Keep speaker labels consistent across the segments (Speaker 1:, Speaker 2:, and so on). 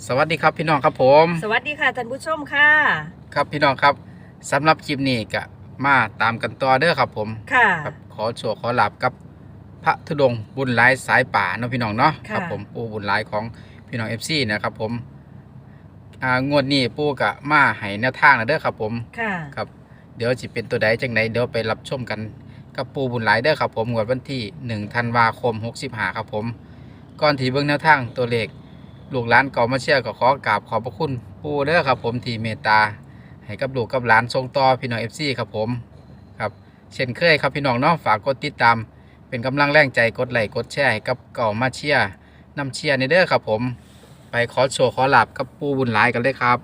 Speaker 1: สวัสดีครับพี่น้องครับผม
Speaker 2: สวัสดีค่ะท่านผู้ชมค่ะ
Speaker 1: ครับพี่น้องครับสำหรับคลิปนี้ก็มาตามกันต่อเด้อครับผม
Speaker 2: ค่ะ
Speaker 1: ครับขอโชว์ขอลาบกับพระธุดงค์บุญหลายสายป่าเนาะพี่น้องเนาะค
Speaker 2: ค่ะ
Speaker 1: รับผมปู่บุญหลายของพี่น้องFCนะครับผมงวดนี้ปู่ก็มาให้แนวทางนะเด้อครับผม
Speaker 2: ค่ะ
Speaker 1: ครับเดี๋ยวสิเป็นตัวใดจังไหนเดี๋ยวไปรับชมกันกับปู่บุญหลายเด้อครับผมงวดวันที่1ธันวาคม65ครับผมก่อนที่เบิ่งแนวทางตัวเลขลูกหลานเก่ามาเชียร์ก็ขอกราบขอบพระคุณปู่เด้อครับผมที่เมตตาให้กับลูกกับหลานส่งต่อพี่น้อง FC ครับผมครับเช่นเคยครับพี่น้องเนาะฝากกดติดตามเป็นกำลังแรงใจกดไลค์กดแชร์ให้กับเก่ามาเชียร์นำเชียร์ในเด้อครับผมไปขอโชว์ขอลาบกับปู่บุญหลายกันเลยครับ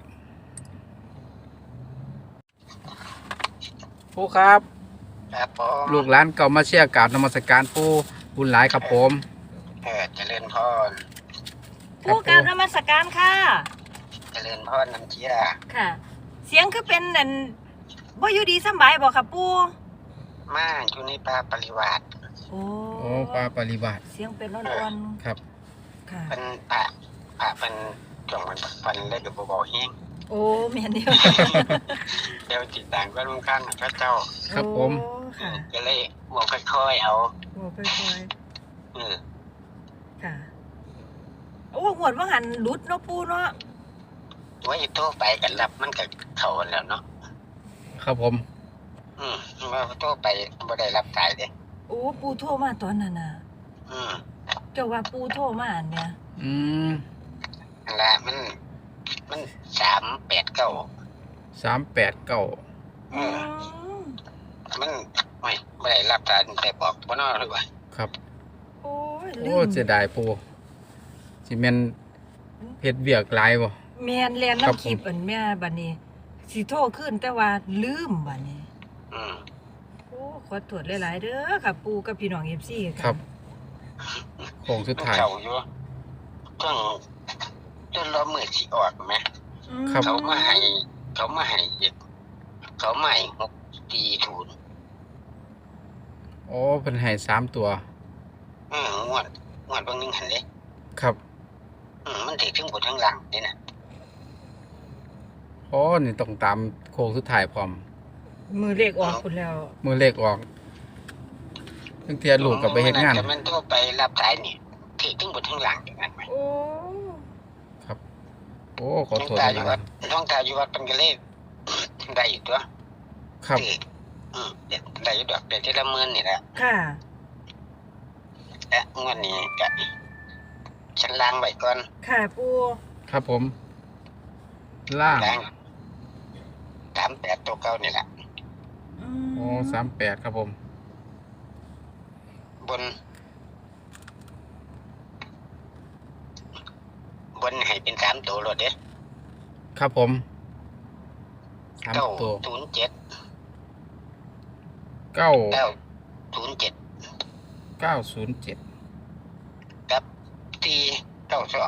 Speaker 1: ปู่ครับ
Speaker 3: ครับผม
Speaker 1: ลูกหลานเก่ามาเชียร์กราบนมัสการปู่บุญหลายครับผม
Speaker 3: เจริญพร
Speaker 2: ผู้กราบนมัสการค่ะ
Speaker 3: เจริญพรน้ำเชีย
Speaker 2: ค่ะ เสียงคือเป็นนั่นบ่อยู่ดีสำบายบ่ค่ะปู่
Speaker 3: มาอยู่ในป่าปริวาส
Speaker 2: โอ้
Speaker 1: โอ้ปลาปริวาส
Speaker 2: เสียงเป็นอ่อน
Speaker 1: ครับ
Speaker 2: ๆค่ะ
Speaker 3: เป็นป่าเป็นช่วงมันฟันเลยกับเบาๆแห้ง
Speaker 2: โอ้แม่นเดียว
Speaker 3: เดี๋ยวติดต่างก็ลุงขั้นพระเจ้า
Speaker 1: ครับผม
Speaker 2: โอ้ค่ะ
Speaker 3: ก็เลยบอกค่อยๆเอา
Speaker 2: โอ้ค่อย
Speaker 3: เออ
Speaker 2: ๆค่ะโอ้หวดว่าหันหลุดเนาะปู่เนาะ
Speaker 3: ไว้โตไปกันรับมันกับเขาแล้วเนาะ
Speaker 1: ครับผม
Speaker 3: ว่าโตไปบ่ได้รับสายเด้
Speaker 2: โอ้ปู่โทรมาตอนนั้นน่ะ
Speaker 3: อืม
Speaker 2: เจ้าว่าปู่โทรมาอันเนี่ย
Speaker 1: อืม
Speaker 3: นั่นละมัน389
Speaker 1: 389
Speaker 3: อืมมันไม่ได้รับสายแต่บอกบ่นอหรือว่า
Speaker 1: ครับ
Speaker 2: โอ้ยลื
Speaker 1: โอ้
Speaker 2: ม
Speaker 1: เสียดายปู่สิแม่นเฮ็ดเวียกหลายบ่
Speaker 2: แม่นแล่น
Speaker 1: ครับ
Speaker 2: น้ำคลิปอันแม่บัดนี้สิโทรขึ้นแต่ว่าลืมบัดนี้
Speaker 3: อืม
Speaker 2: โอ้ขอโทษหลายๆเด้อค่ะปู่กับพี่น้อง FC ค่ะ
Speaker 1: ครับโค้งสุดท้าย
Speaker 3: เขาอยู่จนเรามือสิออกไหม
Speaker 2: อืม
Speaker 1: ครับ
Speaker 3: เขามาให้อีกเขามาให้640
Speaker 1: โอ้เพิ่นให้3ตัว
Speaker 3: งวดบางนึงหันเลย
Speaker 1: ครับ
Speaker 3: มันถือถึงบนทั้งหลังนี่นะ
Speaker 1: โอ้นี่ต้องตามโค้งสุดท้ายพร้อม
Speaker 2: มือเลขออกคุณแล้ว
Speaker 1: มือเลขออกตั้งเทียลูกกลับไปเฮ็ดงาน
Speaker 3: แต่มันต้องไปรับสายนี่ถือถึงบนทั้งหลังอย่างนั้นไหม
Speaker 2: โอ้
Speaker 1: ครับโอ้ขอ
Speaker 3: น้อง
Speaker 1: โทษ
Speaker 3: ตา
Speaker 1: ห
Speaker 3: อยู่
Speaker 1: ลา
Speaker 3: วั
Speaker 1: ย
Speaker 3: ดน้องตาอยู่วัดเป็นกระเล่ได้อยู่ตัว
Speaker 1: ๆครับ
Speaker 3: ถือได้อยู่ดอกแต่ที่ละเมินนี่แหละ
Speaker 2: ค่ะ
Speaker 3: และงวดนี้ก็ฉันล้างไว้ก่อน
Speaker 2: ค่ะปู่
Speaker 1: ครับผมล่าง
Speaker 3: ล้าง38ตัวเก่านี่แหละ
Speaker 2: อืม
Speaker 1: โอ้38ครับผม
Speaker 3: บนให้เป็น3ตัวรถเด้
Speaker 1: ครับผม3
Speaker 3: 907
Speaker 1: ตัว 9
Speaker 3: 907
Speaker 1: 907
Speaker 3: กับ492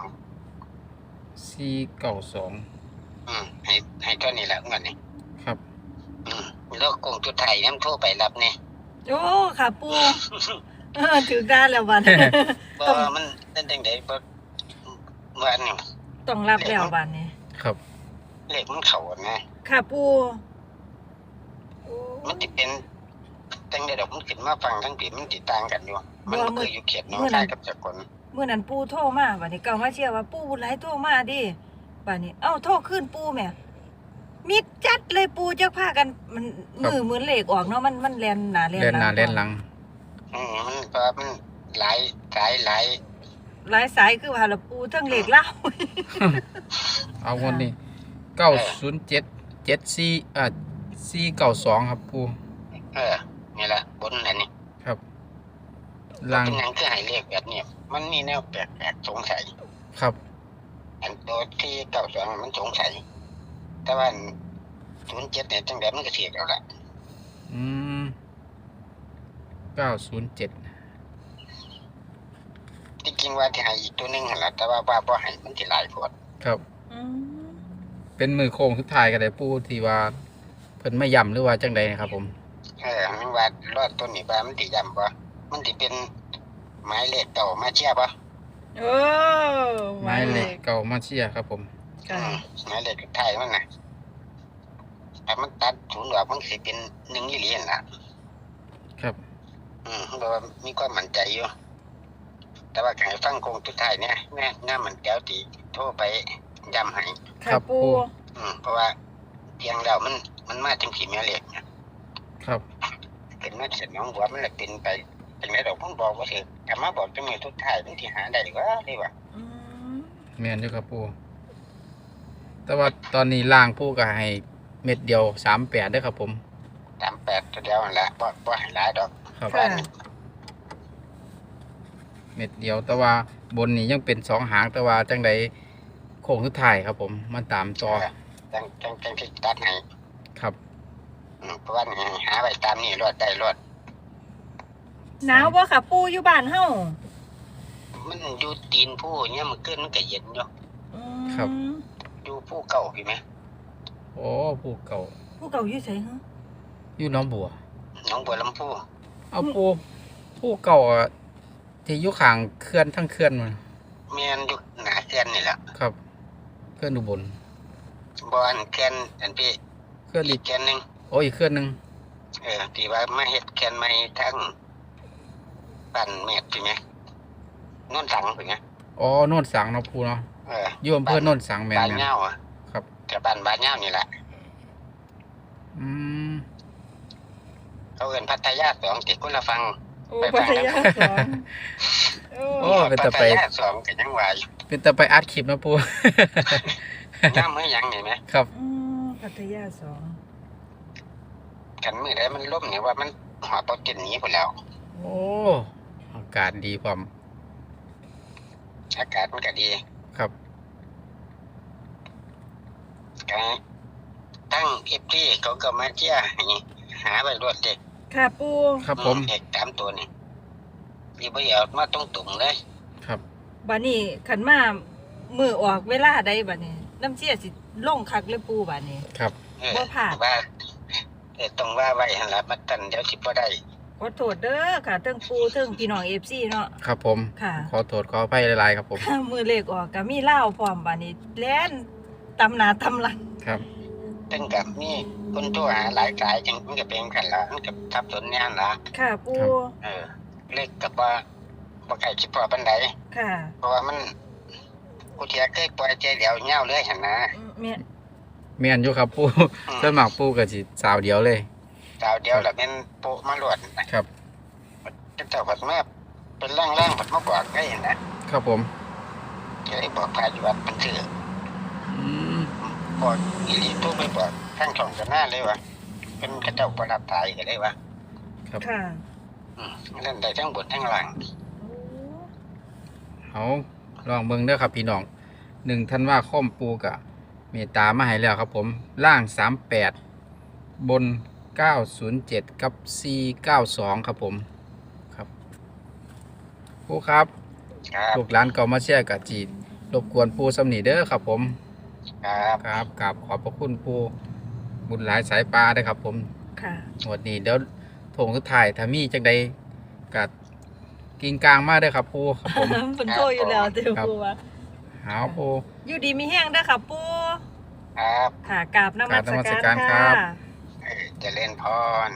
Speaker 1: 492
Speaker 3: ให้เท่านี้แหละเงินนี่
Speaker 1: ครับ
Speaker 3: แล้วกงจุดไทยน้ำโทรไปรับเนี่ย
Speaker 2: โอ้ค่ะปู่ถึงได้แล้วบัด
Speaker 3: บ่มันนั่นจังได๋บ่ว่านี่
Speaker 2: ต้องรับแล้วบัดนี้
Speaker 1: ครับ
Speaker 3: เลขมันเข้านะ
Speaker 2: ค่ะปู่โอ้
Speaker 3: มันสิเป็นจังได๋ดอกมันขึ้นมาฟังทั้งปีมันสิต่างกันอยู่มันบ่คืออยู่เขตหนองคายกับสกล
Speaker 2: เมื่อนั้นปู่โทรมาบัดนี้เก่ามาเชื่อว่าปู่บุญหลายโทรมาดิบัดนี้เอ้าโทรขึ้นปู่แม่มิดจัดเลยปู่จักพากันมันมือเหมือนเลขออกเนาะมันแล่นหน้าแล่น
Speaker 1: เล่นหน้าเล่นหลัง
Speaker 3: มันเพราะมันหลายสายหลาย
Speaker 2: หลายสายคือว่าละปู่ทั้งเลขเล่า
Speaker 1: เอางวดนี้907 492ครับปู
Speaker 3: นี่ล่ะบนนั่นนี่
Speaker 1: ครับล่าง
Speaker 3: เป็นหยังคือให้เลขแบบนี้มันมีแนวแปลกๆสงสัย
Speaker 1: ครับ
Speaker 3: อันตัวที่92มันสงสัยแต่ว่า07เนี่ยจังได๋มันก็เถียกเอาละ
Speaker 1: อืม907
Speaker 3: ที่จริงว่าที่ให้อีกตัวหนึงหั่นล่ะแต่ว่าบ่ให้มันสิหลายโพด
Speaker 1: ครับ
Speaker 2: อืม
Speaker 1: เป็นมือโค้งสุดท้ายก็ได้ปูที่ว่าเพิ่นไม่ย่ำหรือว่าจังใดนะครับผม
Speaker 3: มันว่ารอดตัวนี้ว่ามันสิย้ำบ่มันสิเป็นหมายเลขเก่ามาเชียร์บ่
Speaker 2: โอ้
Speaker 1: หมายายเลขเก่ามาเชียร์ครับผม
Speaker 2: ค่ะ
Speaker 3: หมายเลขไทยมันน่ะถ้ามันตัดศูนย์ออกมันสิเป็น1อีหลีนั่นล่ะ
Speaker 1: ครับ
Speaker 3: เพราะว่ามีความมั่นใจอยู่แต่ว่าการฟังโคงสุดท้ายเนี่ยแม่งามมันแก้วตีโทรไปย้ำให้
Speaker 2: ค่ะปู
Speaker 3: เพราะว่าเพียงแล้วมันมาถึงขี่แม่เหล็กเนี่ย
Speaker 1: ครับ
Speaker 3: เป็นมาเสร็จน้องบัวมันเลยเป็นไปจังไดดอกผมบอกว่าเถอะกลับมาบอกจังไดทุกท้ายมันที่หาได้ดีกว่าดีกว่า
Speaker 2: อืม
Speaker 1: แม่นอยู่ครับปูแต่ว่าตอนนี้ล่างปูก็ให้เม็ดเดียว38ด้วยครับผม
Speaker 3: 38ตัวเดียวนั่นแหละบ่ให้หลายดอก
Speaker 1: ครับ
Speaker 2: ค่ะ
Speaker 1: เม็ดเดียวแต่ว่าบนนี้ยังเป็น2หางแต่ว่าจังใดโค้งสุดท้ายครับผมมันตามต่อ
Speaker 3: จังที่ตัดให้
Speaker 1: ครับ
Speaker 3: เพราะว่านี่หาไว้ตามนี่รอดได้รอด
Speaker 2: หนาวบ่ค่ะปูอยู่บ้านเฮา
Speaker 3: มันอยู่ตีนผู้เนี่ยมันขึ้นมันก็เย็นอยู่
Speaker 2: อืม
Speaker 3: อยู่ผู้เก่าพี่ไหม
Speaker 1: โอ้ปูเก่า
Speaker 2: ผู้เก่าอยู่ไสฮะ
Speaker 1: อยู่หน้องบัว
Speaker 3: น้องบัวลำพู
Speaker 1: เอาปูเก่าอะที่อยู่ข้างเขื่อนทั้งเขื่อนมัน
Speaker 3: เมียนอยู่หนาเขื่อนนี่แหละ
Speaker 1: ครับเขื่อนอุบล
Speaker 3: บ่อันเขื่อนอันพี่
Speaker 1: เขื่อน
Speaker 3: อี
Speaker 1: อี
Speaker 3: ก
Speaker 1: ก
Speaker 3: เขื่อนหนึง
Speaker 1: โอ้อีกเขื่อนหนึง
Speaker 3: ที่ว่ามาเฮ็ดเขื่อนใหม่ทั้งปั่นเม็ดพี่ไหมโน่นสังพี่ไหม
Speaker 1: อ๋อโน่นสังเนาะปูเนาะ
Speaker 3: เออ
Speaker 1: อยู่อำเภอโน่นสังแม่น
Speaker 3: บ้าน
Speaker 1: แม่น
Speaker 3: เงาอ่ะ
Speaker 1: ครับ
Speaker 3: แต่บ้านเงานี่แหละ
Speaker 1: อืม
Speaker 3: เขาเอิ้นพัทยา2ติดคนละฟัง
Speaker 2: โอ้ปัทยาสองโอ้
Speaker 1: โอ้เป็นตะไป
Speaker 3: พัทยา2ก็ยังว่าอยู่
Speaker 1: เป็นตะไปอัดคลิปเนาะปู
Speaker 3: ย่ามมื้อหยังนี่ไหม
Speaker 1: ครับ
Speaker 2: อืมปัทยาสอง
Speaker 3: กันมื้อใดมันล่มนี่ว่ามันหอบบ่ตินหนีพุ่นแล้ว
Speaker 1: โอ้อากาศดีพร้อม
Speaker 3: อากาศมันก็ดี
Speaker 1: ครับ
Speaker 3: ก็ทั้ง FT เขาก็มาเชียร์ให้หาไว้รวดเด็ก
Speaker 2: ค่ะปู
Speaker 1: ครับผม
Speaker 3: เด็ก3ตัวนี่นี่บ่เอามาตรงๆเลย
Speaker 1: ครับ
Speaker 2: บัดนี้ขันมามือออกเวลาใดบัดนี้น้ำเชี่ยสิลงคักเลยปูบัดนี้
Speaker 1: ครับ
Speaker 2: บ่พลาด
Speaker 3: ว่าต้องว่าไว้หั่นล่ะมันตันเดี๋ยวสิบ่ได้
Speaker 2: ขอโทษเด้อค่ะเทิงปูเทิงพี่น้อง FC เนาะ
Speaker 1: ครับผม
Speaker 2: ค่ะ
Speaker 1: ขอโทษขออภัยหลายๆครับผม
Speaker 2: มือเลขออกก็มีเหล้าพร้อมบัดนี้แล่นตำหนาตำหลัง
Speaker 1: ครับ
Speaker 3: ตั้งกับมีคนโทรหาหลายสายจังมันก็เป็นกันล่ะมันก็ทับสนแน่นล่ะ
Speaker 2: ค่ะปู
Speaker 3: เลขกับว่าบ่ใครคิดพอปานใด
Speaker 2: ค่ะ
Speaker 3: เพราะว่ามันกูเทียเคยปล่อยใจเดียวเหงาเลยหั่นนะ
Speaker 2: แม่
Speaker 1: แม่นอยู่ครับปูส่วนมากปูก็สิสาวเดียวเลย
Speaker 3: ดาวเดียวแล้วแม่นโปะมาลวดนะครับ เจ้าพัดมาเป็นร่างๆพัดมาบอกได้หั่นนะครับ
Speaker 1: ผม
Speaker 3: ก็เลยบอกพาอยู่วัดมันถือ
Speaker 1: อืม
Speaker 3: บอกอีหลีตู้ไปบอกข้างช่องกันหน้าเลยว่าเป็นกระเจ้าประดับตายก็เลยว่า
Speaker 1: ครับ
Speaker 2: ค่ะ
Speaker 3: เล่นได้ทั้งบนทั้งล่าง
Speaker 1: เอาลองเบิ่งเด้อครับพี่น้อง1ธันวาคมปูกะเมตตามาให้แล้วครับผมล่าง38บน907กับ492ครับผมครับปูครับ
Speaker 3: ครับ
Speaker 1: ลูกหลานเก่ามาเชียร์กับจีนรบกวนปูสำนีเด้อครับผม
Speaker 3: ครับ
Speaker 1: ครับกราบขอบพระคุณปูบุญหลายสายปลาได้อครับผม
Speaker 2: ค่ะ
Speaker 1: หมดนี้เดี๋ยวโถงสุดท้ายถ้ามีจังใดกัดกิงกลางมากเด้อครับปูครับผม
Speaker 2: เพิ่นโทรอยู่แล้วเด้อปูว่า
Speaker 1: หาวปู
Speaker 2: อยู่ดีมีแห้งเด้อค่ะปู
Speaker 3: ครับ
Speaker 2: ค่ะกราบนมัส
Speaker 1: กราบนมัส
Speaker 2: กา
Speaker 1: การ รครั
Speaker 2: ค่ะ
Speaker 1: บ
Speaker 3: เจะเล่นพร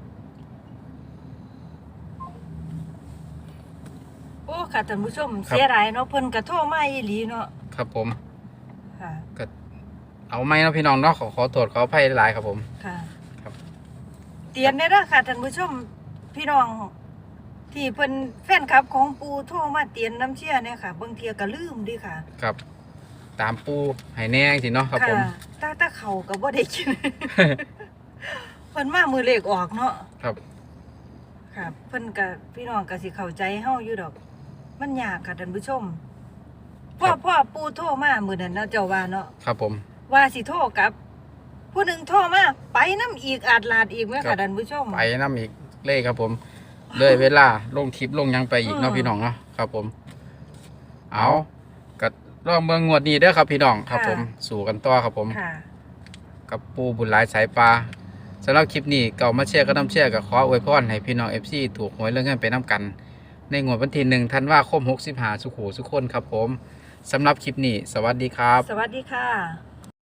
Speaker 2: โอ้ค่ะท่านผู้ชมเสียดายเนาะเพิ่นก็โทรมาอีหลีเนาะ
Speaker 1: ครับผม
Speaker 2: ค่ะ
Speaker 1: เอาไหมเนาะพี่น้องเนาะขอโทษขออภัยหลายครับผม
Speaker 2: ค่ะ
Speaker 1: ครับ
Speaker 2: เตียนได้เด้อค่ะท่านผู้ชมพี่น้อง ที่เพิ่นแฟนคลับของปูโทรมาเตียนน้ำเชี่ยเนี่ยค่ะบางเทียก็ลืมดิค่ะ
Speaker 1: ครับ ตามปูให้แน่สิเนาะครับผม
Speaker 2: ถ้าเขาก็บ่ได้กิน เพิ่นมามือเลขออกเนาะ
Speaker 1: ครับ
Speaker 2: ค่ะเพิ่นก็พี่น้องก็สิเข้าใจเฮาอยู่ดอก มันยากค่ะท่านผู้ชมพ่อปูโทรมามื้อนั้นเนาะเจ้าว่าเนาะ
Speaker 1: ครับผม
Speaker 2: ว่าสิโทรกลับ ผู้หนึ่งโทรมาไปน้ำอีกอาจลาดอีกแม่
Speaker 1: ครั
Speaker 2: ค่ะ
Speaker 1: บ
Speaker 2: ท่านผู้ชม
Speaker 1: ไปน้ำอีกเลขครับผม เลยเวลาลงคลิปลงหยังไปอีกเนาะ
Speaker 2: อืม
Speaker 1: พี่น้องเนาะครับผม เอาก็ลองเมืองงวดนี้เด้อครับพี่น้องครับ
Speaker 2: ค่ะ
Speaker 1: ผมสู่กันต่อครับผม
Speaker 2: ค่ะ
Speaker 1: กับปูบุญหลายสายปลาสำหรับคลิปนี้เก่ามาเชียร์ก็น้ำเชียร์กับขออวยพรให้พี่น้อง FC ถูกหวยเรื่องเงินไปน้ำกัน ในงวดวันที่1ธันวาคม65สุขูสุขคนครับผมสำหรับคลิปนี้สวัสดีครับ
Speaker 2: สวัสดีค่ะ